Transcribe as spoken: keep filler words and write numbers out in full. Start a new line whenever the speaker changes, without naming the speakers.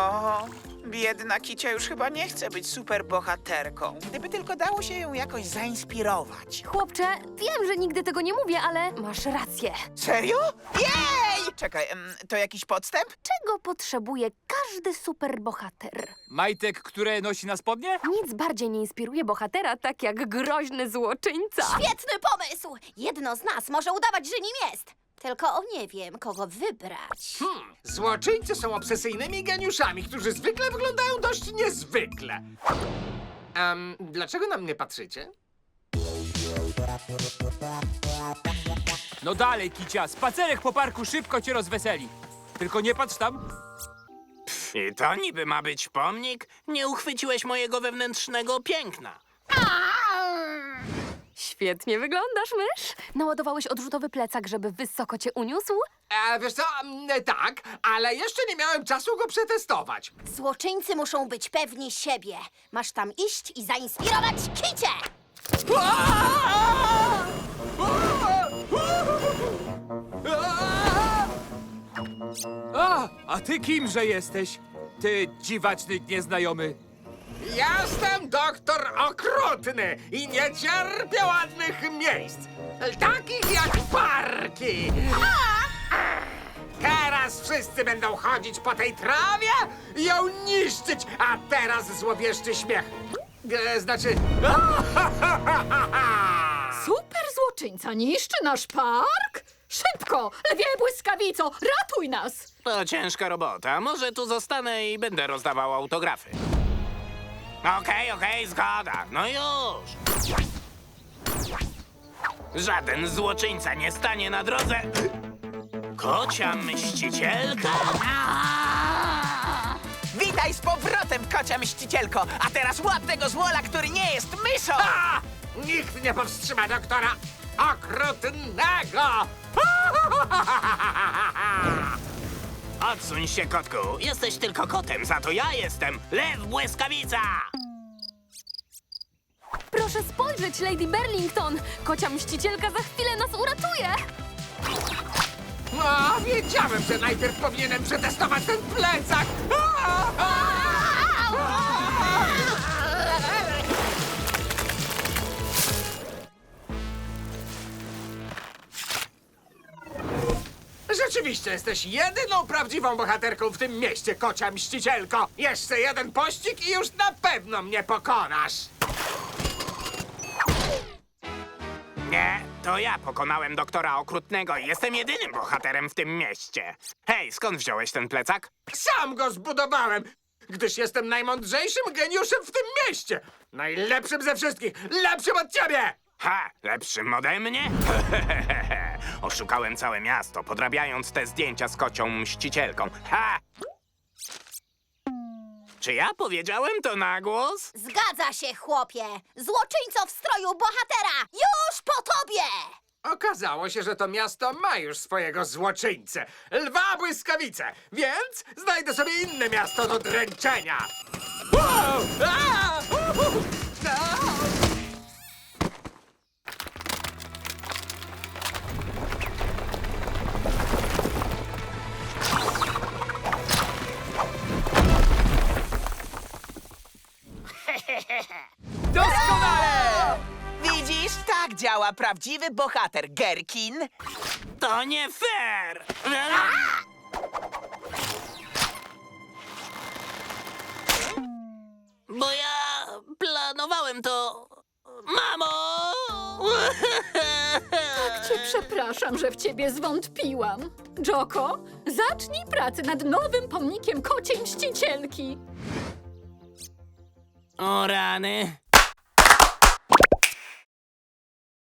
O, biedna Kicia już chyba nie chce być superbohaterką. Gdyby tylko dało się ją jakoś zainspirować.
Chłopcze, wiem, że nigdy tego nie mówię, ale masz rację.
Serio? Jej! Czekaj, em, to jakiś podstęp?
Czego potrzebuje każdy superbohater?
Majtek, które nosi na spodnie?
Nic bardziej nie inspiruje bohatera tak jak groźny złoczyńca.
Świetny pomysł! Jedno z nas może udawać, że nim jest. Tylko nie wiem, kogo wybrać.
Hmm, złoczyńcy są obsesyjnymi geniuszami, którzy zwykle wyglądają dość niezwykle. Um, dlaczego na mnie patrzycie?
No dalej, Kicia, spacerek po parku szybko cię rozweseli. Tylko nie patrz tam.
I to niby ma być pomnik? Nie uchwyciłeś mojego wewnętrznego piękna.
Świetnie wyglądasz, mysz. Naładowałeś odrzutowy plecak, żeby wysoko cię uniósł?
E, wiesz co, mm, tak, ale jeszcze nie miałem czasu go przetestować.
Złoczyńcy muszą być pewni siebie. Masz tam iść i zainspirować Kicię!
A, a ty kimże jesteś? Ty dziwaczny nieznajomy.
Jestem doktor okrutny i nie cierpię ładnych miejsc, takich jak parki. Teraz wszyscy będą chodzić po tej trawie i ją niszczyć, a teraz złowieszczy śmiech. E, znaczy...
Super złoczyńca niszczy nasz park? Szybko! Lwie błyskawico! Ratuj nas!
To ciężka robota. Może tu zostanę i będę rozdawał autografy. Okej, okej, zgoda. No już. Żaden złoczyńca nie stanie na drodze. Kocia mścicielka.
Witaj z powrotem, kocia mścicielko! A teraz łap tego złola, który nie jest myszą!
A! Nikt nie powstrzyma doktora okrutnego!
Odsuń się, kotku. Jesteś tylko kotem, za to ja jestem lew błyskawica.
Proszę spojrzeć, Lady Burlington. Kocia mścicielka za chwilę nas uratuje.
No, wiedziałem, że najpierw powinienem przetestować ten plecak! Rzeczywiście jesteś jedyną prawdziwą bohaterką w tym mieście, kocia mścicielko! Jeszcze jeden pościg i już na pewno mnie pokonasz!
Nie, to ja pokonałem doktora okrutnego i jestem jedynym bohaterem w tym mieście. Hej, skąd wziąłeś ten plecak?
Sam go zbudowałem, gdyż jestem najmądrzejszym geniuszem w tym mieście! Najlepszym ze wszystkich! Lepszym od ciebie!
Ha, lepszym ode mnie? Oszukałem całe miasto, podrabiając te zdjęcia z kocią mścicielką. Ha! Czy ja powiedziałem to na głos?
Zgadza się, chłopie! Złoczyńco w stroju bohatera! Już po tobie!
Okazało się, że to miasto ma już swojego złoczyńcę, lwa błyskawice, więc znajdę sobie inne miasto do dręczenia. Wow! A! Uhu! A!
Doskonale!
Widzisz? Tak działa prawdziwy bohater, Gherkin.
To nie fair! Bo ja planowałem to... Mamo!
Tak cię przepraszam, że w ciebie zwątpiłam. Joko, zacznij pracę nad nowym pomnikiem kociej mścicielki.
O rany,